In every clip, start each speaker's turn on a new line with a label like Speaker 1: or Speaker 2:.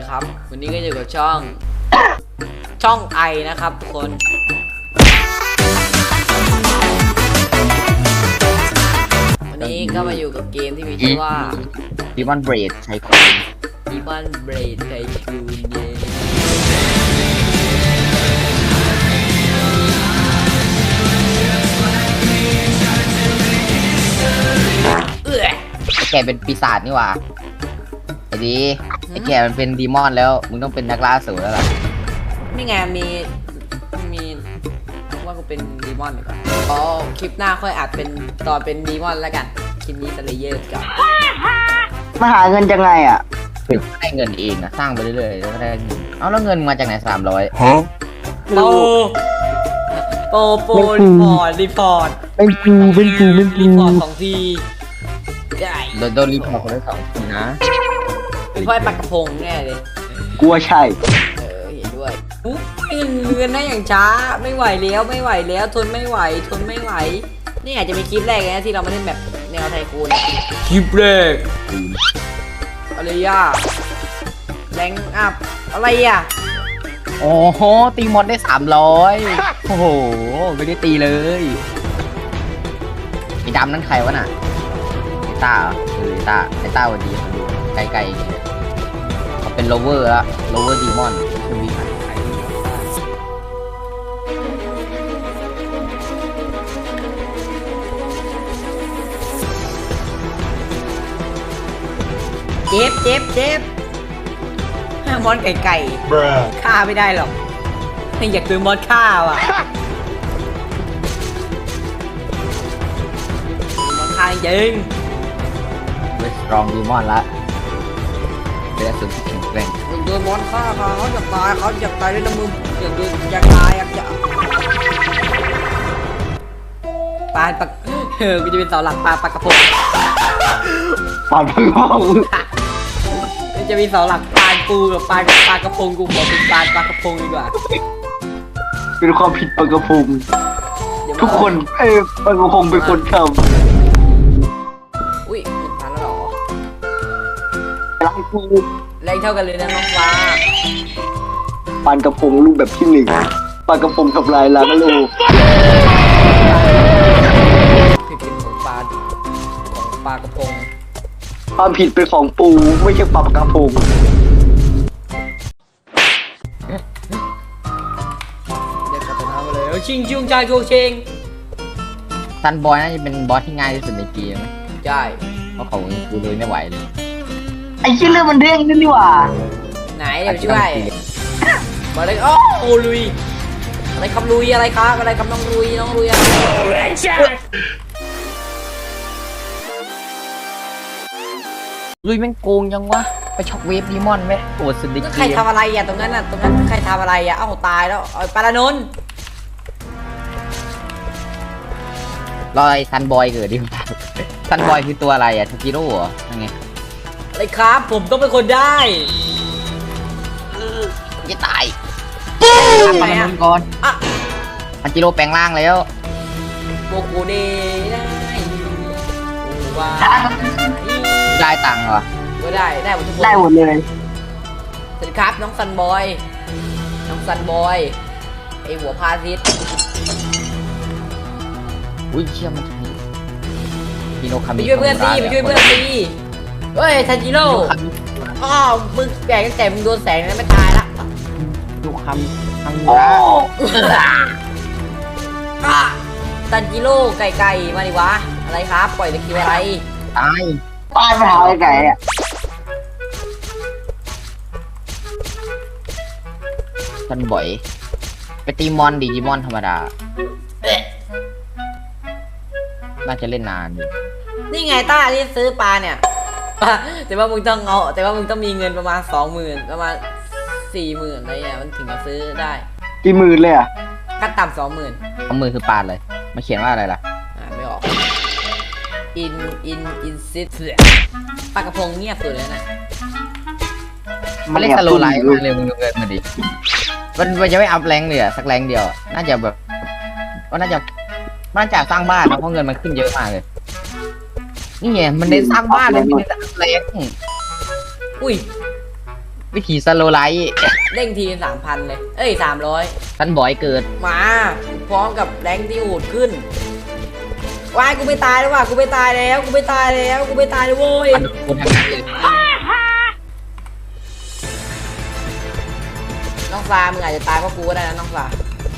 Speaker 1: นะครับวันนี้ก็อยู่กับช่องไอนะครับทุกคนวันนี้ก็มาอยู่กับเกมที่มีชื่อว่า
Speaker 2: Demon Blade ใช้คูณ
Speaker 1: Demon Blade ไทคูนเย่
Speaker 2: ไอ้แกเป็นปีศาจนี่หว่าไอ้ดีไอ้แกมันเป็นดีมอนแล้วมึงต้องเป็นนักล่าอสูรแล้วล่ะ
Speaker 1: นี่ไงมีว่ากูเป็นดีมอนดีกว่าอ๋อคลิปหน้าค่อยอัดเป็นตอนเป็นดีมอนแล้วกันคลิปนี้สเลเยอร์ก่อน
Speaker 3: มาหาเงินจังไงอ่ะ
Speaker 2: ได้เงินเองนะสร้างไปเรื่อยๆแล้วก็ได้เงินเอาแล้วเงินมาจากไหน300
Speaker 1: โปรีพอร์ต
Speaker 3: เป็นกู
Speaker 1: รีพอร์ตของทีใหญ่
Speaker 2: โดนรีพอร์ตคนละ2 ทีนะ
Speaker 1: เป็นพ่อปากกระพงแน่เลย
Speaker 3: กลัวใช่
Speaker 1: เห็นด้วยเงินได้อย่างช้าไม่ไหวแล้วทนไม่ไหวนี่อาจจะเป็นคลิปแรกเลยนะที่เรามาเล่นแบบแนวไทคูนคลิปแรกอะไรอ่ะแรงอัพอะไรอ่ะ
Speaker 2: โอ้โหตีมอนได้300โอ้โหไม่ได้ตีเลยไอ้ดำนั่นใครวะน่ะไอ้ต้าเหรอไอ้ต้าวันดีดูไกลๆอย่างเงี้ยเขาเป็นโลเวอร์ละโลเวอร์ดีมอนชื่อวิหาร
Speaker 1: เจ็บมอนไก่ฆ่าไม่ได้หรอกไม่อยากโดนมอนฆ่าว่ะมอนฆ่าจริง
Speaker 2: เวสตรองดีมอนละเป็นอสูรที่แข็งแกร่ง
Speaker 1: มึงโดนมอนฆ่าเขาอยากตายด้วยนะมึงอยากตายปลาปากกูจะเป็นเสาหลักปลากระพง
Speaker 3: ปอนพึ่งห้อง
Speaker 1: มันจะมีเสาหลักปลาปูกับปลากระพงกูขอเป็นปลากระพงดีกว่า
Speaker 3: เป็นความผิดปกระพงทุกคนปกระพงเป็นคนท
Speaker 1: อุ้ยผ่านแล้วหรอ
Speaker 3: ำรักกู
Speaker 1: แรงเท่ากันเลยนะน้องฟ้า
Speaker 3: ปานกระพงรูปแบบที่ 1ปานกระพงทำลายล้างโลก
Speaker 1: ผิดเป็นของปลากระพง
Speaker 3: ความผิดเป็นของปูไม่ใช่ปลากระพง
Speaker 1: เด็กกระตุ้นเอาเลยชิงจุงใจโชเชง
Speaker 2: ซันบอยน่าจะเป็นบอสที่ง่ายที่สุดในเกมไหม
Speaker 1: ใช่
Speaker 2: เพราะเขาดูเลยไม่ไหวเลย
Speaker 3: ไอ้ชื่อเรื่องมันเรื่องนั่นนี่หว่า
Speaker 1: ไหนเดี๋ยวช่วยมาเลยโอ้ลุยอะไรครับลุยอะไรครับน้องลุยอะไร
Speaker 2: ลุยแม่งโกงยังวะไปช็อกเวฟดีมอนไหมโอ้สุดในเก
Speaker 1: ใคร
Speaker 2: ม
Speaker 1: ทำอะไรอ่ะตรงนั้นใครทำอะไรอ่ะเอ้าตายแล้วปารานนท์
Speaker 2: รอไอ้ซันบอยเกิดดิซันบอยคือตัวอะไรอะทาจิโร่เหรอยังไง
Speaker 1: อะไรครับผมต้องเป็นคนได้
Speaker 2: จะตาย
Speaker 1: ไหน
Speaker 2: ทำ
Speaker 1: อ่ะ
Speaker 2: มันก่อน
Speaker 1: อ่ะ
Speaker 2: ทาจิโร่แปลงร่างแล้ว
Speaker 1: โบกูเดได้ว้า
Speaker 2: ได้ตังค์เหรอ
Speaker 1: ก็ได้หมดทุกคน
Speaker 3: ได้หมดเลย
Speaker 1: สวัสดีครับน้องซันบอยไอหัวพาทิต
Speaker 2: อุ้ยเชี่ยมันจะมีฮิโนคา
Speaker 1: ไป
Speaker 2: มิ
Speaker 1: ช่วยเพื่อนสิเฮ้ยทันจิโร่อ้าวมึงแก่ตั้งแต่มึงโดนแสงแล้วไม่ตายละ
Speaker 2: ดูคำทัง
Speaker 3: โอ้
Speaker 2: ระ
Speaker 1: ทันจิโร่ไก่มาดิวะอะไรครับปล่อยตะคิวอะไร
Speaker 2: ตาย
Speaker 3: ตายไปหาไอ้ไก่อ่ะ
Speaker 2: ซันบอยไปตีมอนดิจิมอนธรรมดาน่าจะเล่นนานอยู่
Speaker 1: นี่ไงต้าที่ซื้อปลาเนี่ยแต่ว่ามึงต้องมีเงินประมาณ 20,000ประมาณ 40,000อะไรเนี่ยมันถึงจะซื้อได้
Speaker 3: กี่หมื่นเลยอ่ะ
Speaker 1: ขั้นต่ำ 20,000
Speaker 2: เอามือคือปาดเลยมาเขียนว่าอะไรล่ะ
Speaker 1: ไม่ออกอินซิสปลากระพงเงียบสุดเลยนะ
Speaker 2: มันเล่นสโลไลท์มากเลยมึงดูเงินมาดิมันจะไม่อัพแรงเลยอะสักแรงเดียว น่าจะแบบว่าน่าจะสร้างบ้านนะเพราะเงินมันขึ้นเยอะมากเลย นี่ไงมันเน้นสร้างบ้านเลยไม่เน้นอัพแรง
Speaker 1: อุ้ย
Speaker 2: วิธีสโลไลท์
Speaker 1: เด้งที3,000เลยเอ้ย300
Speaker 2: ท่านบอยเกิด
Speaker 1: มาพร้อมกับแรงที่โหดขึ้นวายกูไม่ตายแล้วว่ะกูไม่ตายแล้วกูไม่ตายแล้วกูไม่ตายแล้วโว้ย
Speaker 2: คนทางนั้นเลย
Speaker 1: น้องฟามึงอาจจะตายเพราะกูก็ได้นะน้องฟา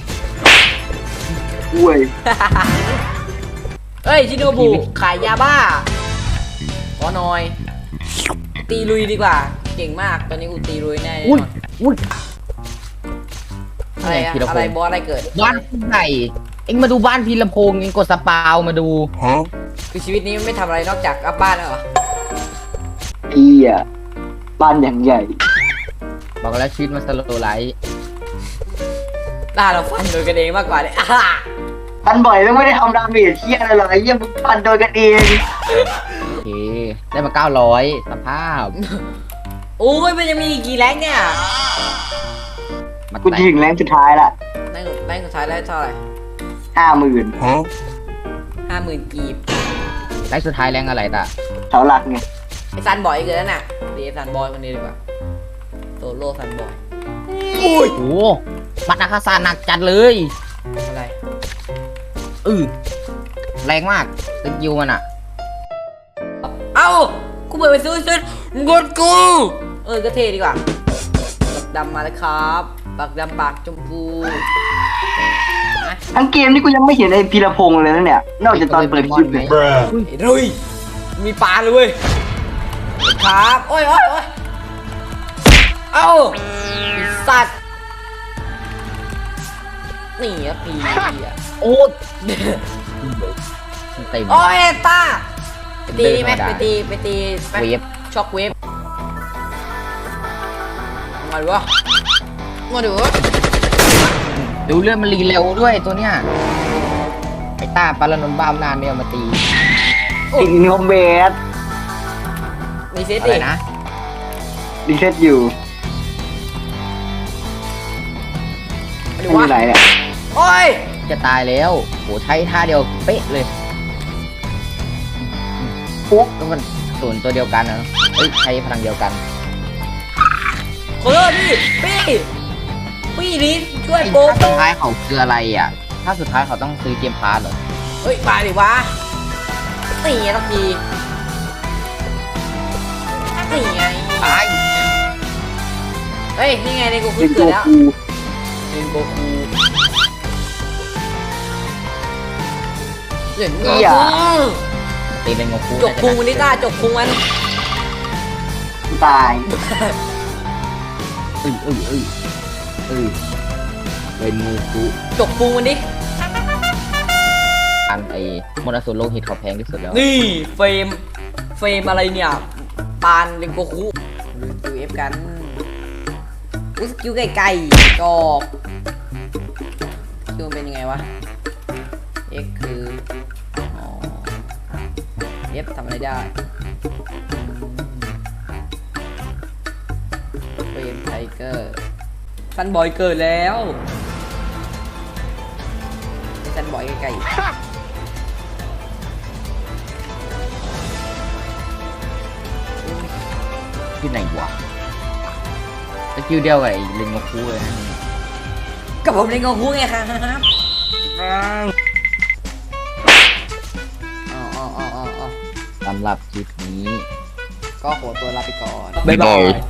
Speaker 3: อุ้ย
Speaker 1: เอ้ยชิโนบุขายยาบ้าขอหน่อย ตีลุยดีกว่า เก่งมากตอนนี้กูตีลุยแน่น
Speaker 2: อุ้ย
Speaker 1: อน
Speaker 2: อุ้ย
Speaker 1: อะไรอะ
Speaker 2: พีรพงษ์
Speaker 1: อะไรบอสอะไรเกิด
Speaker 2: บ้านพี่ใหญ่เอ็งมาดูบ้านพีรพงษ์เอ็งกดสปาวมาดู
Speaker 1: คือชีวิตนี้ไม่ทำอะไรนอกจากกลับบ้านแล้วเหรอ
Speaker 3: เฮียบ้านอย่างใหญ่
Speaker 2: บอกแล้วชีวิตมันสโลไลท์
Speaker 1: ล่าเราฟันโดยกันเองมากกว่าเลย
Speaker 3: ตันบ่อยไม่ได้ทำดาเมจเฮียอะไรหรอกไอ้เหี้ยมึงปันโดยกันเอง
Speaker 2: โอเค ได้มา900สภาพ
Speaker 1: โอ้ยมันยังมีอีกกี่แรงเนี่ย
Speaker 2: มา
Speaker 3: กู
Speaker 2: แตะ
Speaker 3: ถึงแรงสุดท้ายละ
Speaker 1: แรงสุดท้ายได้เท่าไหร่
Speaker 3: 50,000
Speaker 1: 50,000 กีบ
Speaker 2: ไลท์สุดท้ายแรงอะไรตะ
Speaker 3: เสาหลักไง
Speaker 1: ไอซันบอยเกิดแล้วน่ะเดี๋ยวซันบอยคนนี้ดีกว่าโซโล่ซันบอยอุ้ย
Speaker 2: โอ้ปัดอาคาซาหนักจัดเลย
Speaker 1: อะไร
Speaker 2: แรงมากสกิลมันอะ
Speaker 1: เอ้ากูเปิดไปซื้อกดกูก็เท่ดีกว่าปักดำมาแล้วครับปักดำปากชมพูนะ
Speaker 3: ทั้งเกมนี่กูยังไม่เห็นไอ้พีรพงษ์เลยนะเนี่ย นอกจากตอนเปิดคลิปเลย
Speaker 1: ไอ้รุยมีปลาเลยเว้ยครับโอ้ยเอ้าไอ้สัตว์นี่อะปีอะ
Speaker 2: โอ้เต็ม
Speaker 1: โอ้ยตาไปตีนี่ไหม
Speaker 2: เดินธรรมดา
Speaker 1: ไปตี
Speaker 2: เวฟ
Speaker 1: ช็อกเวฟมาดูวะมาดูวะ
Speaker 2: ดูเลื่อนมันรีเร็วด้วยตัวเนี้ยไอ้ต้าปารานนท์บ้ามนานไม่เอามาตี
Speaker 3: อีกนิวเบส
Speaker 1: มีเซต
Speaker 2: อะ
Speaker 1: ดิ
Speaker 2: ไรนะ
Speaker 3: ดีเซตอยู่
Speaker 1: มาดู
Speaker 3: ไม่
Speaker 1: วะ
Speaker 3: มีไหนเนี่ย
Speaker 1: โอ้ย
Speaker 2: จะตายแล้วโหใช้ท่าเดียวเป๊ะเลย
Speaker 3: ปุ๊บ
Speaker 2: ก็มันศูนย์ตัวเดียวกันนะเฮ้ยใช้พลังเดียวกัน
Speaker 1: ขอโทษดิพี่นี่ช่วยโป๊
Speaker 2: ถ้าสุดท้ายเขาคืออะไรอ่ะ ถ้าสุดท้ายเขาต้องซื้อเกมพาร์ทเหรอ
Speaker 1: เฮ้ยมาดิวะตีทักทีนี่ไง
Speaker 2: ตาย
Speaker 1: เฮ้ยนี่ไงในกู
Speaker 3: เป็น
Speaker 1: เกิ
Speaker 3: ตั
Speaker 1: ด
Speaker 3: ว
Speaker 1: แล้ว
Speaker 3: กู
Speaker 1: เล่นโกคูเล่นโก
Speaker 3: เหี้ย
Speaker 1: คู
Speaker 2: ตีเป็นงงคู
Speaker 1: จกพุงมันนี่ต้าจกพุงมัน
Speaker 3: ตาย
Speaker 2: เป็นงูคู
Speaker 1: จกพุงมันดิ
Speaker 2: อันไอ้มรสุมโลหิตเขาแพงที่สุดแล้ว
Speaker 1: นี่เฟรมอะไรเนี่ยปานเล่นโกคูดูเอฟกันอุ้ยสกิลไก่จอกสกิลมันเป็นยังไงวะ X คืออ๋อ F ทำอะไรได้เฟรมไทเกอร์ซันบอยเกิดแล้วไอ้ซันบอยไกลๆ
Speaker 2: ที่ไหนวะสกิลเดียวกับไอ้ลิงงงคูเลยนะ
Speaker 1: กับผมเล่นโกคูไงครับอ๋อ
Speaker 2: สำหรับคลิปนี้
Speaker 1: ก็ขอตัวลาไปก่อน
Speaker 2: บ๊ายบาย